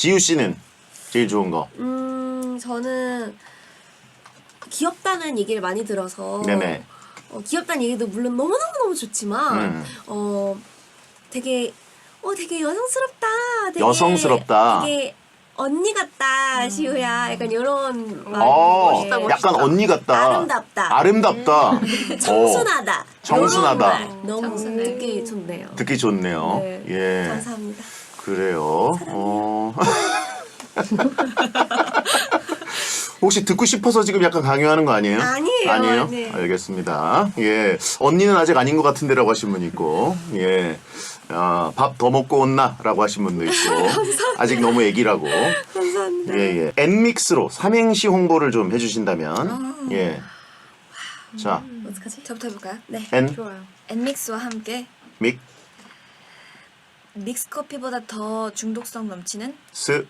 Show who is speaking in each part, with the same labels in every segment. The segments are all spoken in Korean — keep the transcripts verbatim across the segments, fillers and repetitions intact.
Speaker 1: 지우 씨는 제일 좋은 거.
Speaker 2: 음, 저는 귀엽다는 얘기를 많이 들어서
Speaker 1: 네네.
Speaker 2: 어, 귀엽다는 얘기도 물론 너무너무너무 좋지만
Speaker 1: 음.
Speaker 2: 어 되게 어 되게 여성스럽다. 되게,
Speaker 1: 여성스럽다.
Speaker 2: 되게 언니 같다, 시우야. 약간 이런
Speaker 1: 어,
Speaker 2: 말.
Speaker 1: 약간 언니 같다.
Speaker 2: 아름답다.
Speaker 1: 아름답다.
Speaker 2: 청순하다.
Speaker 1: 청순하다.
Speaker 2: 이런 말 너무
Speaker 3: 청순해.
Speaker 2: 듣기 좋네요.
Speaker 1: 듣기 좋네요.
Speaker 2: 네.
Speaker 1: 예.
Speaker 2: 감사합니다.
Speaker 1: 그래요. 어. 혹시 듣고 싶어서 지금 약간 강요하는 거 아니에요?
Speaker 2: 아니에요.
Speaker 1: 아니에요?
Speaker 2: 네.
Speaker 1: 알겠습니다. 예. 언니는 아직 아닌 것 같은데라고 하신 분 있고, 예. 아, 밥 더 먹고 온나? 라고 하신 분도 있고, 아직 너무 애기라고.
Speaker 2: 감사합니다.
Speaker 1: 예, 예. 엔믹스로 삼행시 홍보를 좀 해주신다면, 예. 자,
Speaker 2: 어떡하지?
Speaker 3: 저부터 해볼까요?
Speaker 2: 네.
Speaker 1: 엔,
Speaker 2: 좋아요.
Speaker 3: 엔믹스와 함께
Speaker 1: 믹,
Speaker 3: 믹스 커피보다 더 중독성 넘치는
Speaker 1: 스,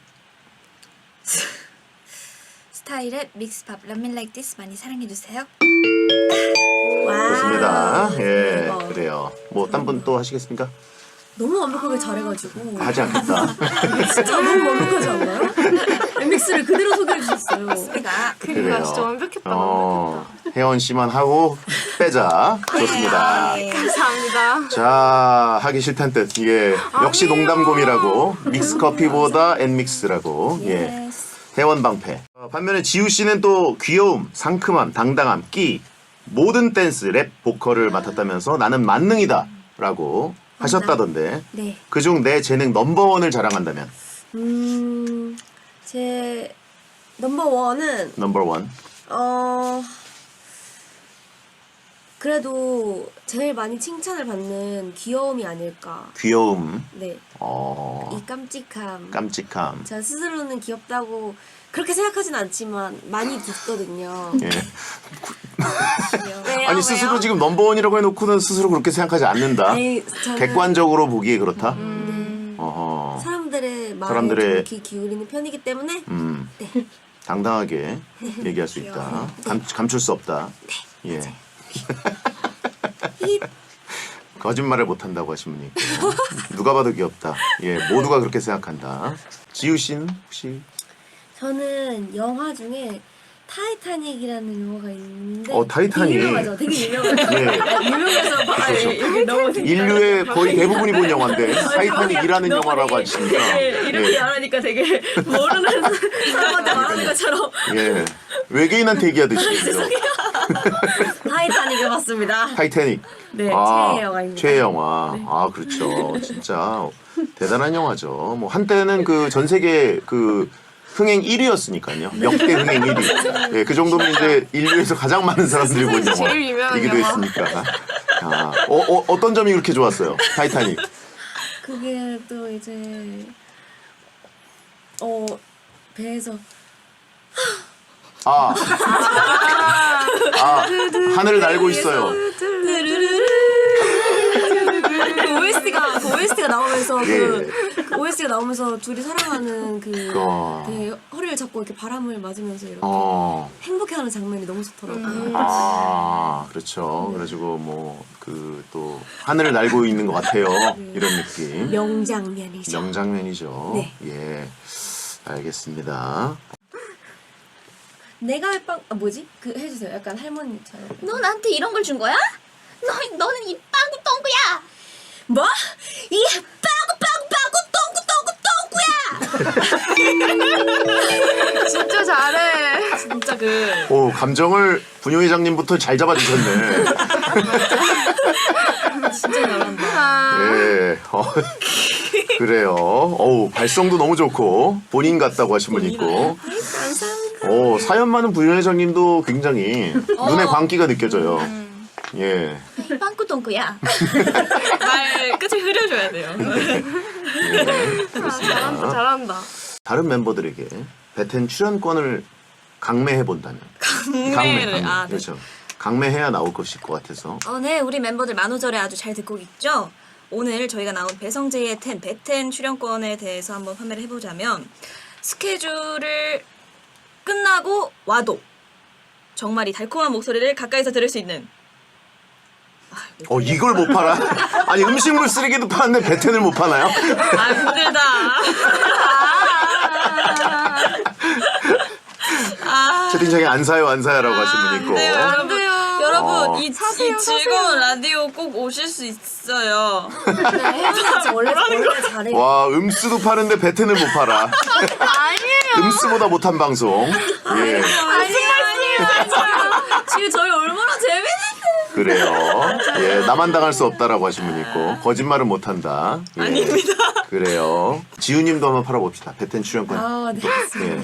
Speaker 3: 스타일의 믹스밥 런민 라이크 디스 많이 사랑해주세요.
Speaker 2: 와.
Speaker 1: 좋습니다. 예,
Speaker 2: 대박.
Speaker 1: 그래요. 뭐, 딴 분 또 하시겠습니까?
Speaker 2: 너무 완벽하게 잘해가지고
Speaker 1: 하지 않겠다.
Speaker 2: 진짜 너무 완벽하지 않나요? 엠믹스를 그대로 소개해 주셨어요.
Speaker 3: 내가
Speaker 1: 그래요.
Speaker 4: 진짜 완벽했다.
Speaker 1: 어, 혜원 씨만 하고 빼자. 좋습니다.
Speaker 3: 네.
Speaker 4: 감사합니다.
Speaker 1: 자, 하기 싫단 뜻. 예, 역시 농담곰이라고. 믹스 커피보다 엔믹스라고. 예, 혜원 방패. 어, 반면에 지우 씨는 또 귀여움, 상큼함, 당당함, 끼, 모든 댄스, 랩, 보컬을 맡았다면서 나는 만능이다라고 하셨다던데.
Speaker 2: 네.
Speaker 1: 그중 내 재능 넘버원을 자랑한다면
Speaker 2: 음, 제 넘버 원은
Speaker 1: 넘버원.
Speaker 2: 어 그래도 제일 많이 칭찬을 받는 귀여움이 아닐까.
Speaker 1: 귀여움,
Speaker 2: 네.
Speaker 1: 어,
Speaker 2: 이 깜찍함.
Speaker 1: 깜찍함.
Speaker 2: 제가 스스로는 귀엽다고 그렇게 생각하진 않지만 많이 듣거든요.
Speaker 1: 예.
Speaker 2: 왜요?
Speaker 1: 아니 스스로 지금 넘버원이라고 해놓고는 스스로 그렇게 생각하지 않는다.
Speaker 2: 아니, 저는
Speaker 1: 객관적으로 보기에 그렇다.
Speaker 2: 네.
Speaker 1: 어허.
Speaker 2: 사람들의 마음에
Speaker 1: 사람들의-
Speaker 2: 좀 귀 기울이는 편이기 때문에
Speaker 1: 음.
Speaker 2: 네.
Speaker 1: 당당하게 얘기할 수 있다. 감, 감출 수 없다. 예.
Speaker 2: 히-
Speaker 1: 거짓말을 못한다고 하신 분이 있고 누가 봐도 귀엽다. 예, 모두가 그렇게 생각한다. 지우 씨는 혹시
Speaker 2: 저는 영화 중에 타이타닉이라는 영화가 있는데
Speaker 1: 어, 타이타닉.
Speaker 2: 되게 유명하죠. 되게 유명하죠.
Speaker 1: 예.
Speaker 2: 유명해서 아, 예, 여기 너무
Speaker 1: 인류의 거의 대부분이 본 영화인데 타이타닉이라는
Speaker 2: 너무
Speaker 1: 영화라고
Speaker 2: 되게-
Speaker 1: 하시니까
Speaker 2: 예, 이렇게
Speaker 1: 예.
Speaker 2: 말하니까 되게 모르는 사람한테 말하는 것처럼
Speaker 1: 예. 외계인한테 얘기하듯이
Speaker 2: 타이타닉을 봤습니다.
Speaker 1: 타이타닉.
Speaker 2: 네,
Speaker 1: 아,
Speaker 2: 최애 영화입니다.
Speaker 1: 최애 영화. 아, 그렇죠. 진짜 대단한 영화죠. 뭐 한때는 그 전 세계 그 흥행 일 위였으니까요. 역대 흥행 일 위. 예, 그 정도면 이제 인류에서 가장 많은 사람들이 본
Speaker 4: 세상에서 제일 유명한
Speaker 1: 영화이기도
Speaker 4: 영화.
Speaker 1: 했으니까. 아, 어, 어, 어떤 점이 그렇게 좋았어요? 타이타닉.
Speaker 2: 그게 또 이제 어 배에서
Speaker 1: 아, 아, 하늘을 날고 있어요.
Speaker 2: 그 오에스티가 그 오에스티가 나오면서
Speaker 1: 예.
Speaker 2: 그, 그 오에스티가 나오면서 둘이 사랑하는 그
Speaker 1: 어.
Speaker 2: 되게 허리를 잡고 이렇게 바람을 맞으면서 이렇게
Speaker 1: 어.
Speaker 2: 행복해하는 장면이 너무 좋더라고요.
Speaker 1: 아, 그렇죠. 그래가지고 뭐 그 또 하늘을 날고 있는 것 같아요. 이런 느낌.
Speaker 2: 명장면이죠.
Speaker 1: 명장면이죠.
Speaker 2: 네.
Speaker 1: 예, 알겠습니다.
Speaker 2: 내가 할 빵, 아 뭐지? 그 해주세요. 약간 할머니처럼.
Speaker 3: 너 나한테 이런 걸 준 거야? 너 너는 이 빵구 똥구야.
Speaker 2: 뭐? 이 빵구 빵구 빵구 똥구 똥구야!
Speaker 4: 진짜 잘해.
Speaker 2: 진짜 그
Speaker 1: 오, 감정을 분유 회장님부터 잘 잡아주셨네.
Speaker 2: 진짜 잘한다.
Speaker 4: 아,
Speaker 1: 예, 어, 그래요. 어우, 발성도 너무 좋고 본인 같다고 하신 분 있고.
Speaker 2: 감사합니다.
Speaker 1: 오, 사연 많은 분유 회장님도 굉장히 눈에 광기가 느껴져요. 예.
Speaker 3: 이 빵구 똥구야.
Speaker 2: 말 끝을 흐려줘야 돼요.
Speaker 1: 예,
Speaker 4: 아, 잘한다, 잘한다.
Speaker 1: 다른 멤버들에게 베텐 출연권을 강매해 본다면. 강매,
Speaker 2: 아, 네.
Speaker 1: 그렇죠. 강매해야 나올 것일 것 같아서.
Speaker 3: 어, 네, 우리 멤버들 만우절에 아주 잘 듣고 있죠? 오늘 저희가 나온 배성재의 텐, 배텐 출연권에 대해서 한번 판매를 해보자면 스케줄을 끝나고 와도 정말 이 달콤한 목소리를 가까이서 들을 수 있는
Speaker 1: 어, 이걸 못 팔아? 아니, 음식물 쓰레기도 파는데 베텐을 못 파나요?
Speaker 3: 아 힘들다.
Speaker 1: 채팅창에 안 사요 안 사요라고 하신 분 있고.
Speaker 3: 네, 여러분,
Speaker 4: 돼요.
Speaker 3: 여러분
Speaker 1: 어.
Speaker 3: 이,
Speaker 4: 사세요,
Speaker 3: 이 즐거운 라디오 꼭 오실 수 있어요.
Speaker 2: 네, 혜진아 진짜 원래 원래 잘해.
Speaker 1: 와 음수도 파는데 베텐을 못 팔아.
Speaker 4: 아니에요.
Speaker 1: 음수보다 못한 방송. 예.
Speaker 3: 지금 저희 얼마나 재밌는데.
Speaker 1: 그래요. 예, 나만 당할 수 없다라고 하신 분 있고 거짓말은 못한다. 예.
Speaker 3: 아닙니다.
Speaker 1: 그래요. 지우님도 한번 팔아봅시다. 베텐 출연권.
Speaker 2: 아, 네.
Speaker 1: 예.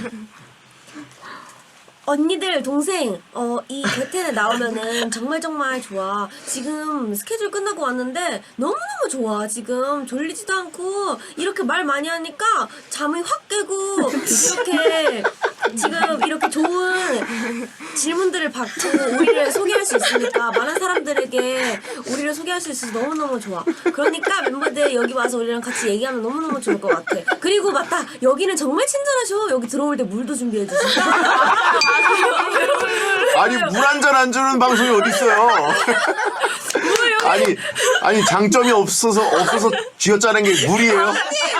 Speaker 2: 언니들 동생 어 이 베텐에 나오면은 정말 정말 좋아. 지금 스케줄 끝나고 왔는데 너무너무 좋아. 지금 졸리지도 않고 이렇게 말 많이 하니까 잠이 확 깨고 이렇게 지금 이렇게 좋은 질문들을 받고 우리를 소개할 수 있으니까 많은 사람들에게 우리를 소개할 수 있어서 너무너무 좋아. 그러니까 멤버들 여기 와서 우리랑 같이 얘기하면 너무너무 좋을 것 같아. 그리고 맞다. 여기는 정말 친절하셔. 여기 들어올 때 물도 준비해 주시고.
Speaker 1: 아니 물 한 잔 안 주는 방송이 어디 있어요? 아니 아니 장점이 없어서 없어서 쥐어짜는 게 물이에요?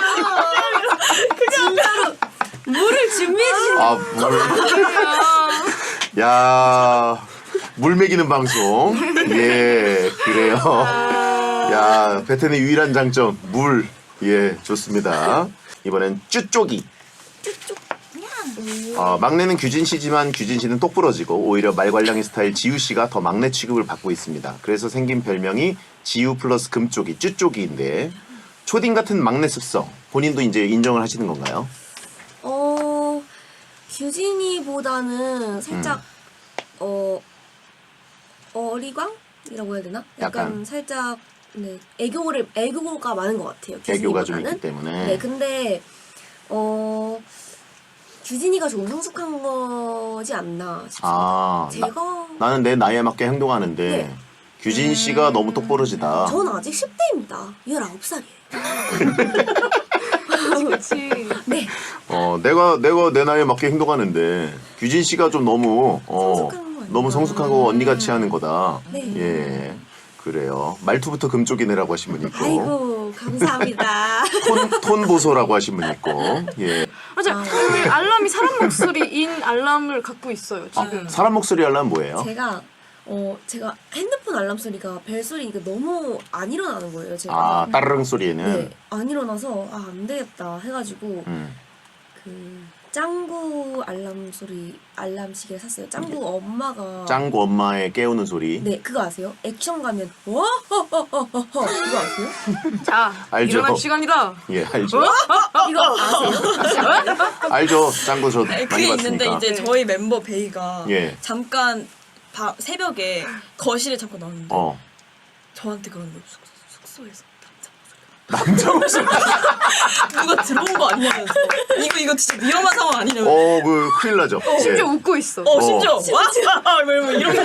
Speaker 2: 진짜로 물을 준비해 주신
Speaker 1: 아 물. 야. 물 먹이는 방송. 예, 그래요. 야, 베텐의 유일한 장점 물. 예, 좋습니다. 이번엔 쭈쪽이. 어, 막내는 규진 씨지만 규진 씨는 똑부러지고 오히려 말괄량이 스타일 지우 씨가 더 막내 취급을 받고 있습니다. 그래서 생긴 별명이 지우 플러스 금쪽이 쭈쪽이인데 초딩 같은 막내 습성 본인도 이제 인정을 하시는 건가요?
Speaker 2: 어 규진이보다는 살짝 어 어리광이라고 해야 되나? 약간,
Speaker 1: 약간.
Speaker 2: 살짝 네 애교를 애교가 많은 것 같아요.
Speaker 1: 애교가 좀
Speaker 2: 규진이보다는.
Speaker 1: 있기 때문에.
Speaker 2: 네, 근데 어 규진이가 좀 성숙한 거지 않나 싶습니다.
Speaker 1: 아,
Speaker 2: 제가
Speaker 1: 나, 나는 내 나이에 맞게 행동하는데
Speaker 2: 네.
Speaker 1: 규진 씨가 너무 똑부러지다.
Speaker 2: 전 아직 십 대입니다. 열아홉 살이에요.
Speaker 4: 그렇지.
Speaker 2: 네.
Speaker 1: 어, 내가 내가 내 나이에 맞게 행동하는데 규진 씨가 좀 너무 어,
Speaker 2: 성숙한 거 아닌가?
Speaker 1: 너무 성숙하고 언니같이 하는 거다.
Speaker 2: 네.
Speaker 1: 예. 그래요. 말투부터 금쪽이네라고 하신 분 있고
Speaker 2: 아이고 감사합니다.
Speaker 1: 톤, 톤 보소라고 하신 분 있고 예.
Speaker 4: 맞아. 그 알람이 사람 목소리인 알람을 갖고 있어요 지금.
Speaker 1: 사람 목소리 하려면 뭐예요?
Speaker 2: 제가 어 제가 핸드폰 알람 소리가 벨 소리가 너무 안 일어나는 거예요. 제가
Speaker 1: 아 따르릉 소리에는
Speaker 2: 네, 안 일어나서 아 안 되겠다 해가지고
Speaker 1: 음.
Speaker 2: 그 짱구 알람 소리 알람 시계를 샀어요. 짱구 엄마가
Speaker 1: 짱구 엄마의 깨우는 소리.
Speaker 2: 네 그거 아세요? 액션 가면 와허허허허 그거 아세요?
Speaker 4: 자,
Speaker 1: 알죠.
Speaker 4: 일어날 시간이다.
Speaker 1: 예 알죠.
Speaker 2: 이거 아세요?
Speaker 1: 알죠. 짱구 저
Speaker 3: 아니,
Speaker 1: 많이
Speaker 3: 그게
Speaker 1: 봤으니까.
Speaker 3: 있는데 이제 저희 멤버 베이가
Speaker 1: 예.
Speaker 3: 잠깐 바, 새벽에 거실에 잠깐 나왔는데
Speaker 1: 어.
Speaker 3: 저한테 그런 거 숙, 숙소에서 남자 목소리 누가 들어온 거 아니냐면서 이거 이거 진짜 위험한 상황 아니냐면서
Speaker 1: 어, 그 큰일 나죠.
Speaker 4: 심지어
Speaker 1: 예.
Speaker 4: 웃고 있어.
Speaker 3: 어 심지어 와 뭐 이러면서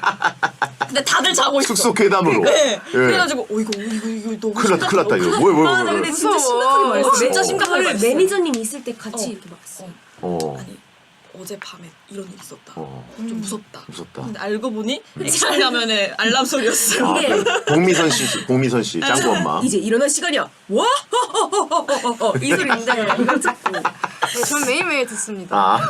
Speaker 3: 근데 다들 자고 있어.
Speaker 1: 숙소 괴담으로.
Speaker 3: 네.
Speaker 1: 예.
Speaker 3: 그래가지고 어 이거 이거 이거 너무
Speaker 1: 큰일 났다, 큰일 났다 이거. 뭐야, 뭐야,
Speaker 2: 아, 나
Speaker 1: 뭐야.
Speaker 2: 근데 진짜
Speaker 4: 무서워.
Speaker 2: 심각하게 말했어.
Speaker 3: 진짜
Speaker 1: 어.
Speaker 3: 심각하게
Speaker 2: 그거를
Speaker 3: 말했어.
Speaker 2: 매니저님 있을 때 같이
Speaker 3: 어.
Speaker 2: 이렇게 말했어요.
Speaker 1: 어.
Speaker 3: 아니 어젯밤에 이런 일 있었다.
Speaker 1: 어.
Speaker 3: 좀 무섭다.
Speaker 1: 무섭다.
Speaker 3: 근데 알고 보니 액션 가면에 알람 소리였어요.
Speaker 1: 아,
Speaker 2: 이게
Speaker 1: 복미선 씨, 복미선 씨, 짱구 엄마.
Speaker 2: 이제 일어날 시간이야. 와 이 소리인데 이거 듣고
Speaker 4: 네, 전 매일매일 듣습니다.
Speaker 1: 아.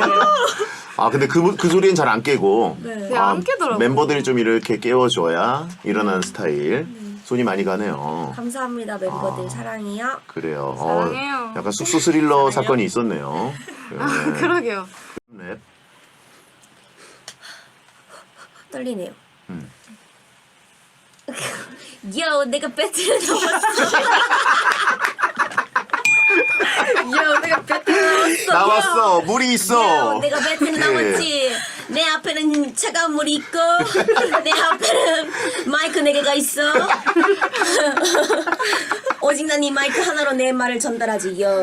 Speaker 1: 아, 근데 그, 그 소리는 잘 안 깨고.
Speaker 2: 네.
Speaker 4: 네, 안 깨더라고요.
Speaker 1: 멤버들이 좀 이렇게 깨워줘야 일어나는 스타일. 손이 많이 가네요.
Speaker 2: 감사합니다 멤버들
Speaker 1: 아.
Speaker 2: 사랑해요.
Speaker 1: 그래요.
Speaker 4: 사랑해요.
Speaker 1: 어, 약간 숙소 스릴러 사건이 있었네요.
Speaker 4: 아,
Speaker 1: 네.
Speaker 4: 그러게요.
Speaker 1: 네.
Speaker 2: 떨리네요.
Speaker 1: 음.
Speaker 2: 요 내가 배틀을 넘었어. 요 내가 배틀을 넘었어.
Speaker 1: 나왔어. 물이
Speaker 2: 요
Speaker 1: 있어.
Speaker 2: 내가 배틀을
Speaker 1: 예.
Speaker 2: 넘었지. 내 앞에는 차가운 물이 있고 내 앞에는 마이크 네 개가 있어. 오직 난 이 마이크 하나로 내 말을 전달하지. 요.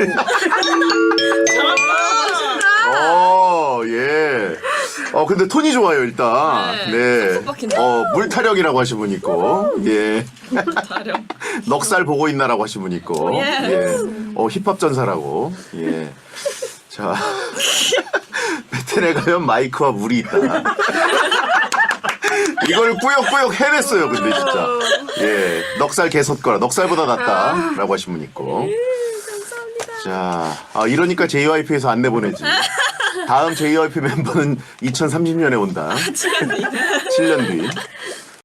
Speaker 1: 어, 예. 어, 근데 톤이 좋아요, 일단.
Speaker 3: 네,
Speaker 1: 네.
Speaker 3: 쏙쏙 박히네.
Speaker 1: 어, 물타령이라고 하신 분 있고, 예.
Speaker 3: 다령.
Speaker 1: 넉살 보고 있나라고 하신 분 있고,
Speaker 3: 예.
Speaker 1: 예. 어, 힙합 전사라고, 예. 자. 베텔에 가면 마이크와 물이 있다. 이걸 꾸역꾸역 해냈어요, 근데 진짜. 예. 넉살 개섰거라. 넉살보다 낫다. 라고 하신 분 있고.
Speaker 2: 감사합니다.
Speaker 1: 자, 아, 이러니까 제이와이피에서 안 내보내지. 다음 제이와이피 멤버는 이천삼십 년에 온다. 칠 년 뒤. 칠 년 뒤.